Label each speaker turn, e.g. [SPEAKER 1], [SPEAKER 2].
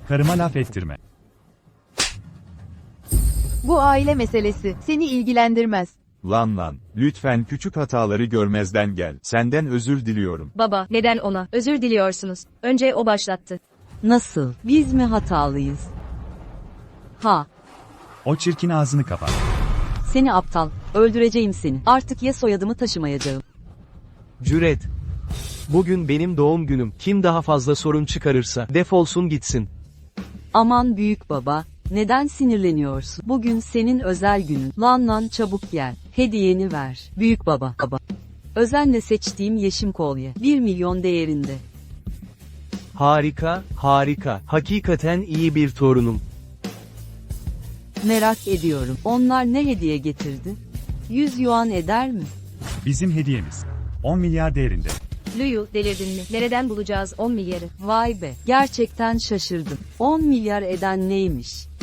[SPEAKER 1] Karıma laf ettirme.
[SPEAKER 2] Bu aile meselesi, seni ilgilendirmez.
[SPEAKER 3] Lan, lütfen küçük hataları görmezden gel. Senden özür diliyorum.
[SPEAKER 4] Baba, neden ona özür diliyorsunuz? Önce o başlattı.
[SPEAKER 5] Nasıl? Biz mi hatalıyız? Ha,
[SPEAKER 1] O çirkin ağzını kapat.
[SPEAKER 5] seni aptal. Öldüreceğim seni. Artık ya soyadımı taşımayacağım.
[SPEAKER 6] Cüret. Bugün benim doğum günüm. Kim daha fazla sorun çıkarırsa defolsun gitsin.
[SPEAKER 5] Aman büyük baba, neden sinirleniyorsun? Bugün senin özel günün. Lan çabuk gel. Hediyeni ver. Büyük baba. Özenle seçtiğim yeşim kolye. 1 milyon değerinde.
[SPEAKER 6] Harika, harika. Hakikaten iyi bir torunum.
[SPEAKER 5] Merak ediyorum. Onlar ne hediye getirdi? 100 yuan eder mi?
[SPEAKER 1] Bizim hediyemiz. 10 milyar değerinde.
[SPEAKER 4] Luyu, delirdin mi? Nereden bulacağız 10 milyarı?
[SPEAKER 5] Vay be, gerçekten şaşırdım. 10 milyar eden neymiş?